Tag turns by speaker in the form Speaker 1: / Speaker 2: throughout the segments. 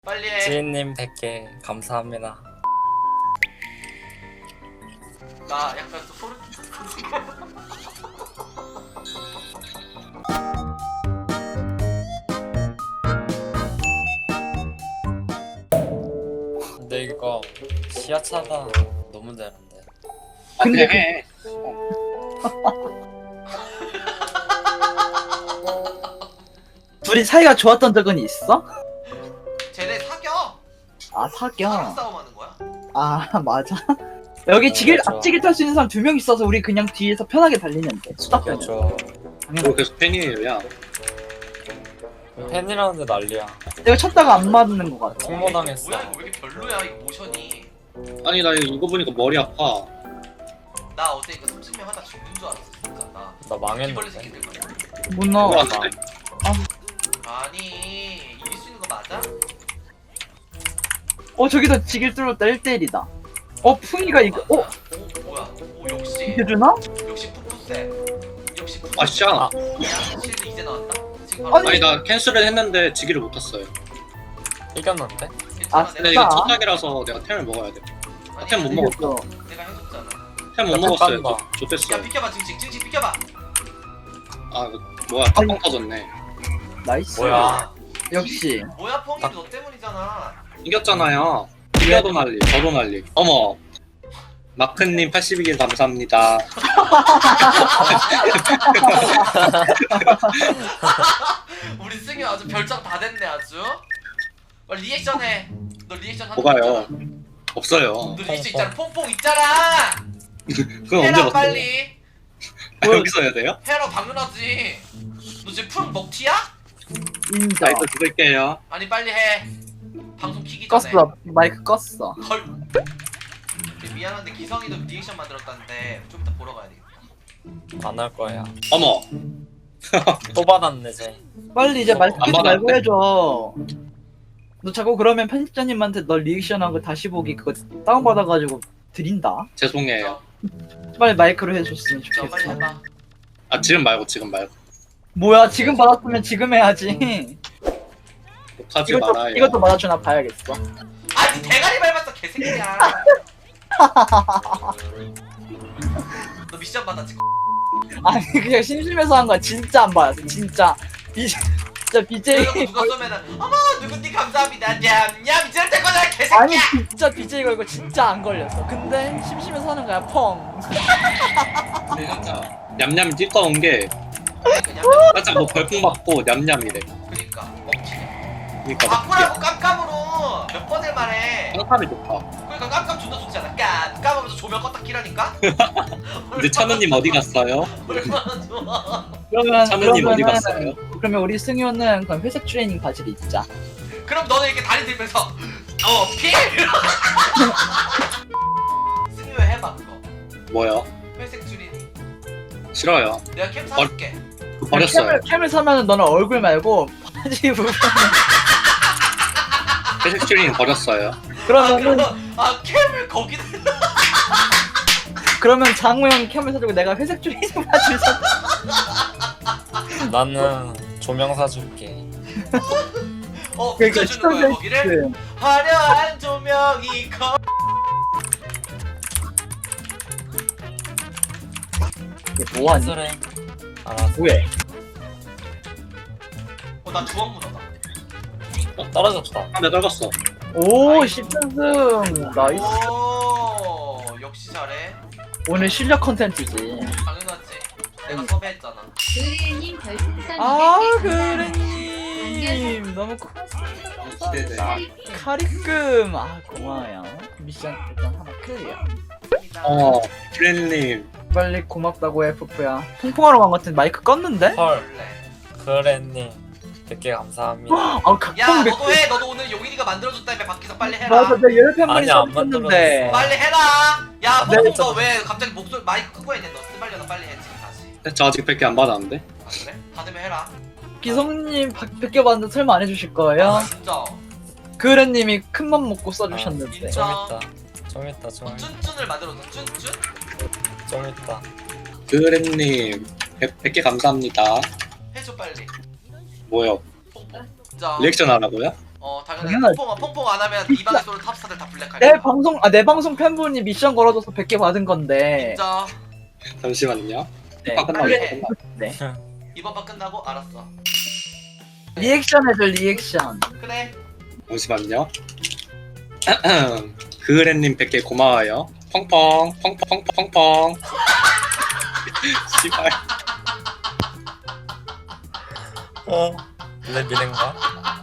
Speaker 1: 빨리 해.
Speaker 2: 지인님 100개 감사합니다.
Speaker 1: 나 약간 또 소름
Speaker 2: 근데 이거 시야차가 너무 되는데.
Speaker 3: 아 그냥 해.
Speaker 4: 둘이 사이가 좋았던 적은 있어?
Speaker 1: 쟤네 사겨.
Speaker 4: 아
Speaker 1: 사랑
Speaker 4: 사겨.
Speaker 1: 싸움하는 거야?
Speaker 4: 아 맞아. 여기 지길
Speaker 2: 그렇죠.
Speaker 4: 앞지길 탈 수 있는 사람 2명 있어서 우리 그냥 뒤에서 편하게 달리는데 수다 편해.
Speaker 2: 그렇죠.
Speaker 3: 너 계속 팬이에요, 야.
Speaker 2: 팬이라는데 난리야.
Speaker 4: 내가 쳤다가 안 맞는 것 같아.
Speaker 2: 통모당했어.
Speaker 1: 뭐야 이거 왜 이렇게 별로야 이 모션이.
Speaker 3: 아니 나 이거 보니까 머리 아파.
Speaker 1: 나 어제 이거 30명 하다 죽는 줄 알았어 진짜 나.
Speaker 2: 나
Speaker 1: 이벌레
Speaker 2: 망했는데.
Speaker 1: 새끼들 같아.
Speaker 4: 못 나와.
Speaker 3: 그거 안 돼?
Speaker 1: 아니 이길 수 있는 거 맞아?
Speaker 4: 저기도 지길 뚫었다 1대1이다. 풍이가 이거
Speaker 1: 오 뭐야? 오 역시
Speaker 4: 이렇게 주나?
Speaker 1: 역시 푸푸세. 역시 푸푸세.
Speaker 3: 아 진짜.
Speaker 2: 아.
Speaker 1: 야 실드 이제 나왔다. 지금 바로
Speaker 3: 아니 나 캔슬을 했는데 지기를 못 탔어요.
Speaker 2: 이겼는데?
Speaker 1: 괜찮아,
Speaker 4: 아,
Speaker 3: 근데
Speaker 1: 내가
Speaker 3: 이거
Speaker 4: 아.
Speaker 3: 첫 타기라서 내가 템을 먹어야 돼.
Speaker 1: 아니,
Speaker 3: 템 못
Speaker 1: 아니,
Speaker 3: 먹었다.
Speaker 4: 이겼어.
Speaker 1: 내가 해줬잖아.
Speaker 3: 템 못
Speaker 2: 야,
Speaker 3: 먹었어요.
Speaker 2: 깜빡이다.
Speaker 3: 좋댔어.
Speaker 1: 야 비켜봐 증식 비켜봐.
Speaker 3: 아 이거 뭐야 깜빡 터졌네.
Speaker 4: 나이스.
Speaker 2: 뭐야?
Speaker 4: 역시.
Speaker 1: 뭐야 펑이 너 때문이잖아.
Speaker 3: 이겼잖아요. 이겨도 난리, 저도 난리. 어머. 마크님 82개 감사합니다.
Speaker 1: 우리 승희 아주 별장 다 됐네 아주. 리액션 해. 너 리액션 하는
Speaker 3: 뭐가요?
Speaker 1: 거 있잖아.
Speaker 3: 없어요.
Speaker 1: 너 리액션 있잖아. 퐁퐁 있잖아.
Speaker 3: 그건 언제
Speaker 1: 해라
Speaker 3: 봤어요?
Speaker 1: 빨리.
Speaker 3: 아, 여기서 해야 돼요?
Speaker 1: 해라 당연하지. 너 지금 푸른 먹튀야?
Speaker 4: 인정.
Speaker 3: 나이트 드릴게요.
Speaker 1: 아니 빨리 해. 방송 키기 전에.
Speaker 4: 껐어. 마이크 껐어.
Speaker 1: 헐. 미안한데 기성이도 리액션 만들었다는데 좀 이따 보러 가야 되겠다.
Speaker 2: 안 할 거야.
Speaker 3: 어머.
Speaker 2: 또 받았네 쟤.
Speaker 4: 빨리 이제 마이크
Speaker 3: 안
Speaker 4: 끄지 말고
Speaker 3: 받았는데?
Speaker 4: 해줘. 너 자꾸 그러면 편집자님한테 너 리액션한 거 다시 보기 그거 다운받아가지고 드린다.
Speaker 3: 죄송해요.
Speaker 4: 빨리 마이크로 해줬으면
Speaker 1: 자 빨리
Speaker 4: 좋겠어.
Speaker 1: 해봐.
Speaker 3: 아 지금 말고.
Speaker 4: 뭐야 지금 받았으면 지금 해야지.
Speaker 3: 욕하지 말아요.
Speaker 4: 이것도 받아주나 봐야겠어.
Speaker 1: 아니 대가리 밟았어 개새끼야. 너 미션 받았지?
Speaker 4: 아니 그냥 심심해서 한 거야. 진짜 안 받았어. 진짜 진짜 BJ.
Speaker 1: 그래놓고 누가 쏘면은 어머 누군디 감사합니다 냠냠 이럴 때 거잖아
Speaker 4: 아니
Speaker 1: 개새끼야.
Speaker 4: 진짜 BJ 걸고 진짜 안 걸렸어. 근데 심심해서 하는 거야. 펑.
Speaker 3: 근데 진짜 냠냠이 띠꺼운 게
Speaker 1: 그냥
Speaker 3: 살짝 뭐 벌풍 맞고 냠냠이래.
Speaker 1: 그니까 먹튀네.
Speaker 3: 그러니까
Speaker 1: 바꾸라고 깜깜으로 몇 번을 말해.
Speaker 3: 깜깜이 좋다.
Speaker 1: 그러니까 깜깜 존나 좋잖아. 깜깜하면서 조명 껐다 키라니까.
Speaker 3: 근데 찬우님 어디 갔어요?
Speaker 1: 얼마나 좋아.
Speaker 4: 그러면
Speaker 3: 찬우님 어디 갔어요?
Speaker 4: 그러면 우리 승효는 그럼 회색 트레이닝 바지를 입자.
Speaker 1: 그럼 너는 이렇게 다리 들면서 필. 승유 해봐 그거.
Speaker 3: 뭐요?
Speaker 1: 회색 줄이니.
Speaker 3: 싫어요.
Speaker 1: 내가 캠 사줄게.
Speaker 3: 그거 버렸어요.
Speaker 4: 캠을 사면은 너는 얼굴 말고 바지 부분.
Speaker 3: 회색 슈링 버렸어요.
Speaker 4: 그러면은
Speaker 1: 캠을 거기다.
Speaker 4: 그러면 장우 형 캠을 사주고 내가 회색 트레이닝 바지를 사.
Speaker 2: 나는 조명 사줄게.
Speaker 1: 붙여주는 거야 거기를.
Speaker 4: 그
Speaker 1: 화려한 조명이 거.
Speaker 4: 이게 뭐하니?
Speaker 2: 그래. 알았어.
Speaker 4: 뭐해?
Speaker 1: 나 주황 문어다.
Speaker 2: 떨어졌다.
Speaker 3: 아, 내가 떨궜어.
Speaker 4: 오 10연승 나이스.
Speaker 1: 오 역시 잘해.
Speaker 4: 오늘 실력 컨텐츠지.
Speaker 1: 당연하지. 내가 섭외했잖아.
Speaker 5: 그래님 별풍선
Speaker 4: 아
Speaker 5: 200개
Speaker 4: 그래님 너무
Speaker 3: 네네.
Speaker 4: 카리끔 고마워요. 미션 일단 하나 클리어.
Speaker 3: 프렌님.
Speaker 4: 빨리 고맙다고 해 푸푸야. 통풍하러 간 것 같은 마이크 껐는데?
Speaker 2: 헐.
Speaker 1: 원래.
Speaker 2: 그래님 100개 감사합니다.
Speaker 4: 아
Speaker 1: 야
Speaker 4: 각성
Speaker 1: 너도 해. 너도 오늘 용인이가 만들어줬다며 박기석 빨리 해라.
Speaker 4: 맞아 내가 열편만이
Speaker 2: 아니, 안
Speaker 4: 썼는데.
Speaker 1: 빨리 해라. 야
Speaker 4: 네,
Speaker 1: 뽕뽕
Speaker 4: 저-
Speaker 1: 너왜 갑자기 목소리 마이크 끄고 했냐? 너 쓰발려나 빨리 해 지금 다시.
Speaker 3: 저 아직 100개 안 받았는데.
Speaker 1: 아 그래? 받으면 해라.
Speaker 4: 기성님 밖에 봤는데 설마 안 해주실 거예요?
Speaker 1: 아 진짜.
Speaker 4: 그래님이 큰맘 먹고 써주셨는데.
Speaker 1: 인정.
Speaker 2: 좀 있다. 좀 있다. 좀 있다.
Speaker 1: 쭌쭌을 만들어줘. 쭌쭌?
Speaker 2: 좀 있다.
Speaker 3: 그랜님 100개 감사합니다.
Speaker 1: 해줘 빨리.
Speaker 3: 뭐요?
Speaker 1: 뽕뽕. 자.
Speaker 3: 리액션 하라고요?
Speaker 1: 당연히
Speaker 4: 당연하지.
Speaker 1: 퐁퐁 안 하면 이 방에 쏘는 탑스타들 다 블랙할
Speaker 4: 내
Speaker 1: 거야.
Speaker 4: 방송 내 방송 팬분이 미션 걸어줘서 100개 받은 건데.
Speaker 1: 진짜
Speaker 3: 잠시만요.
Speaker 4: 네.
Speaker 3: 아, 끝나고
Speaker 1: 빨리
Speaker 3: 이거
Speaker 1: 해.
Speaker 3: 끝나.
Speaker 1: 이번 판 끝나고 알았어.
Speaker 4: 리액션 해줘 리액션.
Speaker 1: 그래.
Speaker 3: 잠시만요. 그레님 100개 고마워요. 펑펑 펑펑 펑펑. 씨발.
Speaker 2: 내 미는가?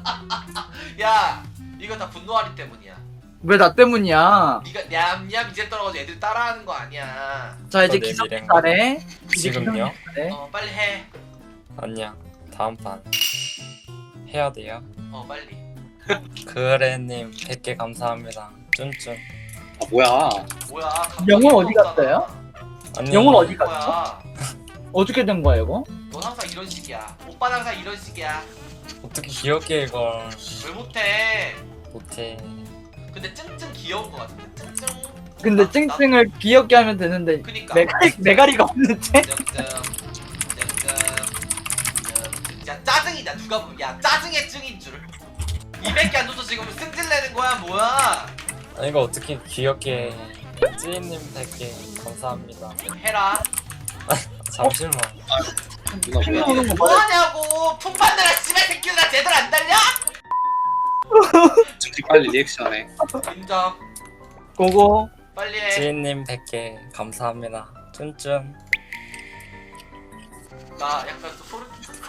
Speaker 1: 야 이거 다 분노하리 때문이야.
Speaker 4: 왜 나 때문이야?
Speaker 1: 네가 냠냠 이제 떨어가지고 애들 따라하는 거 아니야.
Speaker 4: 자 이제
Speaker 2: 내
Speaker 4: 기성이
Speaker 2: 미래인가?
Speaker 4: 잘해. 이제
Speaker 2: 지금요?
Speaker 4: 기성이 잘해.
Speaker 1: 빨리 해.
Speaker 2: 아니야. 다음 판 해야 돼요.
Speaker 1: 빨리.
Speaker 2: 그레님 100개 감사합니다. 쭌쭌.
Speaker 3: 아 뭐야?
Speaker 1: 뭐야? 감정이
Speaker 4: 영혼 어디
Speaker 1: 없잖아.
Speaker 4: 갔어요?
Speaker 2: 아니,
Speaker 4: 영혼 어디 갔어?
Speaker 1: 뭐야?
Speaker 4: 어떻게 된 거야 이거?
Speaker 1: 넌 항상 이런 식이야. 오빠는 항상 이런 식이야.
Speaker 2: 어떻게 귀엽게 이걸
Speaker 1: 왜 못해?
Speaker 2: 못해.
Speaker 1: 근데 찡찡 귀여운 거 같은데. 찡찡.
Speaker 4: 근데 찡찡을 귀엽게 하면 되는데
Speaker 1: 그니까.
Speaker 4: 메가리가 없는데?
Speaker 1: 야 짜증이다 누가 보면 야 짜증의 증인 줄 200개 안 줘서 지금 승질 내는 거야 뭐야.
Speaker 2: 아니 이거 어떻게 귀엽게 해. 찌님 100개 감사합니다.
Speaker 1: 해라.
Speaker 2: 잠시만.
Speaker 3: 누나
Speaker 4: 핑
Speaker 3: 뭐야?
Speaker 4: 나오는 거 뭐야?
Speaker 1: 뭐하냐고 품받느라 씨발 새끼들아 제대로 안 달려?
Speaker 3: 저기 빨리 리액션해.
Speaker 1: 인정.
Speaker 4: 고고.
Speaker 1: 빨리 해.
Speaker 2: 찌님 100개 감사합니다. 쭌쭌.
Speaker 1: 나 약간 또 소름.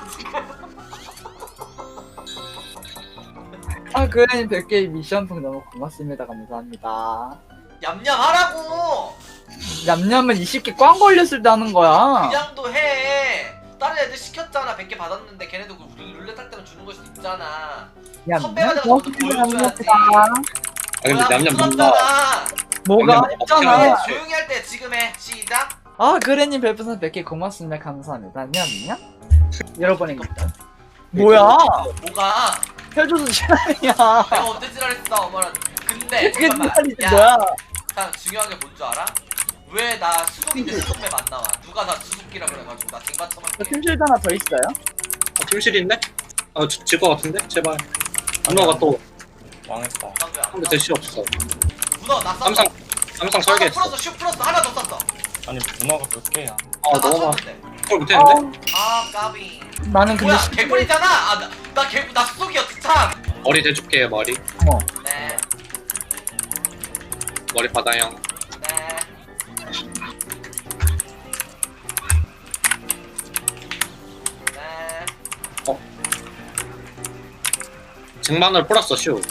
Speaker 4: 아 그래 100개 미션풍 너무 고맙습니다. 감사합니다.
Speaker 1: 얌얌 하라고.
Speaker 4: 냠냠은 20개 꽝 걸렸을 때 하는 거야.
Speaker 1: 그냥도 해. 다른 애들 시켰잖아. 100개 받았는데 걔네도 우리 룰렛 할 때는 주는 걸 수도 있잖아. 선배가
Speaker 4: 냠냠
Speaker 1: 내가 먼저 보여줘야지.
Speaker 3: 아 근데 냠냠 뭔가
Speaker 4: 뭐가
Speaker 3: 냠냠
Speaker 4: 했잖아.
Speaker 3: 먹잖아.
Speaker 1: 조용히 할 때 지금 해. 시작.
Speaker 4: 아 그래님 별풍선 100개 고맙습니다. 감사합니다. 냠냠. 여러분입니다. 뭐야?
Speaker 1: 뭐가?
Speaker 4: 해줘서 지랄이야.
Speaker 1: 내가 언제 지랄했어 어머나. 근데
Speaker 4: 그게
Speaker 1: 잠깐만.
Speaker 4: 지랄이지
Speaker 1: 야,
Speaker 4: 뭐야?
Speaker 1: 참 중요한 게 뭔 줄 알아? 왜 나 수속인데 수속맵 안 나와? 누가 나 수속기라 그래가지고 나 쟁반
Speaker 4: 저
Speaker 1: 쳐먹게.
Speaker 4: 팀실드 하나 더 있어요?
Speaker 3: 팀실인데? 질것 같은데? 제발. 누나가 또
Speaker 2: 망했다.
Speaker 1: 방금
Speaker 3: 근데 대시 없어.
Speaker 1: 문어 나 쐈어.
Speaker 3: 삼성
Speaker 1: 하나
Speaker 3: 설계했어.
Speaker 1: 풀었어. 슈 풀었어. 하나 더 쐈어.
Speaker 2: 아니 문어가 몇 개야?
Speaker 3: 아 너무 많아.
Speaker 1: 맞췄는데.
Speaker 3: 그걸 못했는데?
Speaker 1: 아 까비.
Speaker 4: 나는 근데
Speaker 1: 뭐야 개꿀이잖아. 아나 수속이었지 참.
Speaker 3: 머리 대줄게 머리.
Speaker 1: 네.
Speaker 3: 머리 받아요.
Speaker 1: 네. 네.
Speaker 3: 쟁반을 풀었어 슈.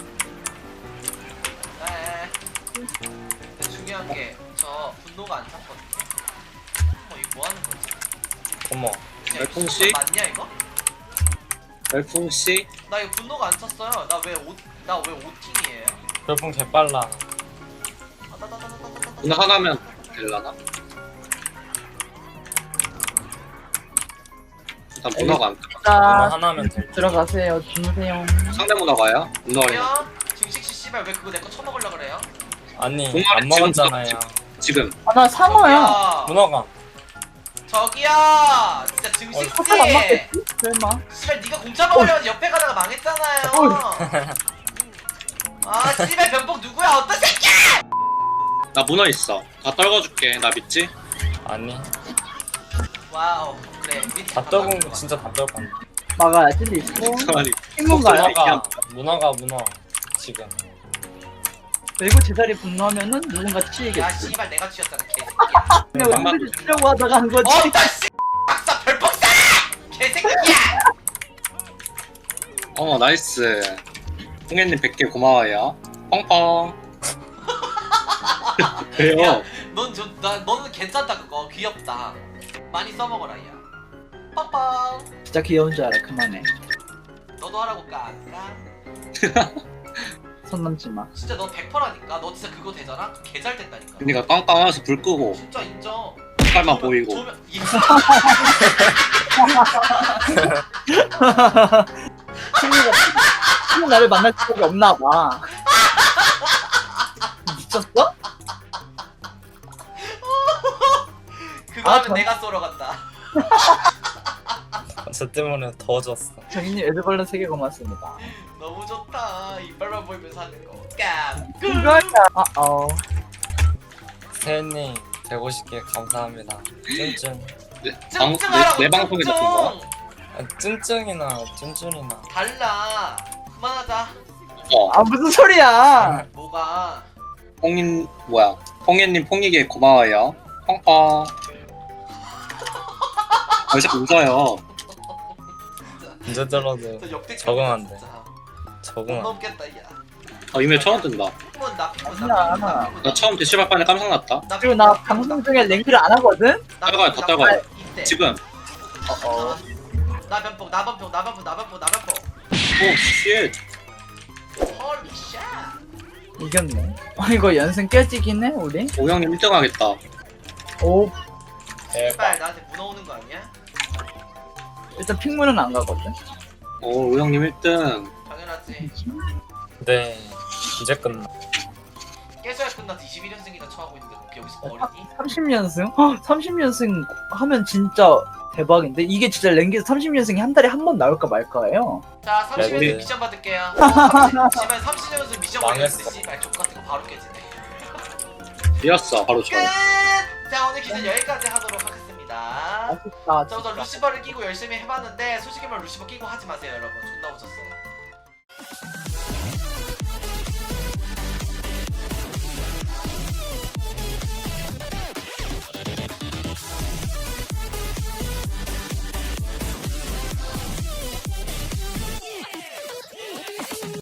Speaker 1: 네. 근데 중요한 게 저 분노가 안 찼거든요. 이거 뭐 하는 거지?
Speaker 2: 어머.
Speaker 1: 그냥
Speaker 3: 열풍
Speaker 1: 이거
Speaker 3: 씨?
Speaker 1: 맞냐 이거?
Speaker 3: 열풍 씨.
Speaker 1: 나 이거 분노가 안 찼어요. 나 왜 5팀이에요?
Speaker 2: 별풍 개빨라.
Speaker 3: 누나 하나면 될라나? 일단 문어가 안 들어.
Speaker 2: 문어
Speaker 4: 자
Speaker 2: 하나면 될.
Speaker 4: 들어가세요. 주무세요.
Speaker 3: 상대 문어가요? 문어가
Speaker 1: 왜요? 증식 씨 씨발 왜 그거 내 거 처먹으려 그래요?
Speaker 2: 아니
Speaker 3: 공항에
Speaker 2: 안 먹었잖아요.
Speaker 3: 지금
Speaker 4: 아 나 상어야.
Speaker 2: 문어가.
Speaker 1: 저기요. 진짜 증식 씨.
Speaker 4: 포탈 안 맞겠지? 설마.
Speaker 1: 씨발 네가 공짜 먹으려고 옆에 가다가 망했잖아요. 아 씨발 변복 누구야? 어떤 새끼?
Speaker 3: 나 문어 있어. 다 떨궈줄게. 나 믿지?
Speaker 2: 아니
Speaker 1: 와우. 그래.
Speaker 2: 다 떨군 거 진짜 다 떨군.
Speaker 4: 막아야지 리스폰.
Speaker 3: 가만히.
Speaker 4: 친구인가요?
Speaker 2: 문어가 지금.
Speaker 4: 그리고 제자리 분노하면은 누군가
Speaker 1: 야
Speaker 4: 치이겠지.
Speaker 1: 씨발 내가 치였잖아 개새끼야.
Speaker 4: 그냥
Speaker 3: 잠깐만.
Speaker 4: 우리를 치려고 하다가 한 거지.
Speaker 1: 어떤 씨. 박사 별풍 쏴. 개새끼야.
Speaker 3: 나이스. 홍현님 100개 고마워요. 펑펑. 왜요?
Speaker 1: 너는 괜찮다 그거 귀엽다. 많이 써먹어라 야. 빵빵.
Speaker 4: 진짜 귀여운 줄 알아. 그만해.
Speaker 1: 너도 하라고 까.
Speaker 4: 손 넘지 마.
Speaker 1: 진짜 너 100%라니까. 너 진짜 그거 되잖아. 개 잘 된다니까.
Speaker 3: 그니까 깡깡하면서 불 끄고
Speaker 1: 진짜 인정.
Speaker 3: 색깔만 보이고.
Speaker 4: 친구 나를 만날 적이 없나 봐. 미쳤어?
Speaker 1: 그거
Speaker 4: 아,
Speaker 1: 하면
Speaker 4: 전-
Speaker 1: 내가 쏘러 간다.
Speaker 2: 저 때문에 더워졌어.
Speaker 4: 정인님 에드벌룬 3개 고맙습니다.
Speaker 1: 너무 좋다. 사는 거. 깜.
Speaker 4: 이거야.
Speaker 2: 세님 150개 감사합니다. 쭌쭌.
Speaker 3: 내 방송에 잡힌 거야?
Speaker 2: 쭌쭌이나 쭌쭌이나.
Speaker 1: 달라. 그만하자.
Speaker 4: 무슨 소리야.
Speaker 1: 뭐가?
Speaker 3: 홍예님 퐁이게 고마워요. 펑펑. 왜 자꾸 웃어요?
Speaker 2: 언제 들어도
Speaker 1: 저 역대급.
Speaker 2: 적응 안 돼.
Speaker 1: 진짜. 못
Speaker 2: 적응 안 돼.
Speaker 1: 넘겠다 야.
Speaker 3: 이메일 처음 뜬다.
Speaker 1: 피곤 나 피곤
Speaker 4: 아니야,
Speaker 1: 나 피곤
Speaker 4: 아니야.
Speaker 1: 나 피곤
Speaker 3: 나 처음 대시발 판에 깜짝 났다.
Speaker 4: 그리고 나 방송 중에 랭크를 안 하거든?
Speaker 3: 떨궈요, 다 떨궈요.
Speaker 1: 이때.
Speaker 3: 지금.
Speaker 1: 나 변폭 나 변폭 나 변폭 나 변폭 나 변폭.
Speaker 3: 오 쉣.
Speaker 1: 헐리 샤.
Speaker 4: 이겼네. 이거 연승 깨지긴 해, 우리?
Speaker 3: 오형님 1등 하겠다.
Speaker 4: 오,
Speaker 2: 대박.
Speaker 1: 빨 나한테 문어오는 거 아니야?
Speaker 4: 일단 핑문은 안 가거든?
Speaker 3: 오 오형님 1등.
Speaker 1: 당연하지.
Speaker 2: 네. 이제 끝나.
Speaker 1: 깨져야 끝나서 21연승이나 처하고 있는데 그렇게 여기서 버리니?
Speaker 4: 30연승? 30연승 하면 진짜 대박인데? 이게 진짜 랭기에서 30연승이 한 달에 한 번 나올까 말까예요?
Speaker 1: 자 30연승
Speaker 2: 우리-
Speaker 1: 미션 받을게요. 씨발 30연승 미션
Speaker 2: 망했어.
Speaker 1: 받겠는데 씨발 족같은 거 바로 깨지네.
Speaker 3: 이었어 바로
Speaker 1: 끝!
Speaker 3: 저.
Speaker 1: 자 오늘 기준 여기까지 하도록 하겠습니다.
Speaker 4: 아쉽다.
Speaker 1: 저 루시버를 끼고 열심히 해봤는데 솔직히 말로 루시버 끼고 하지 마세요 여러분. 존나 웃었어.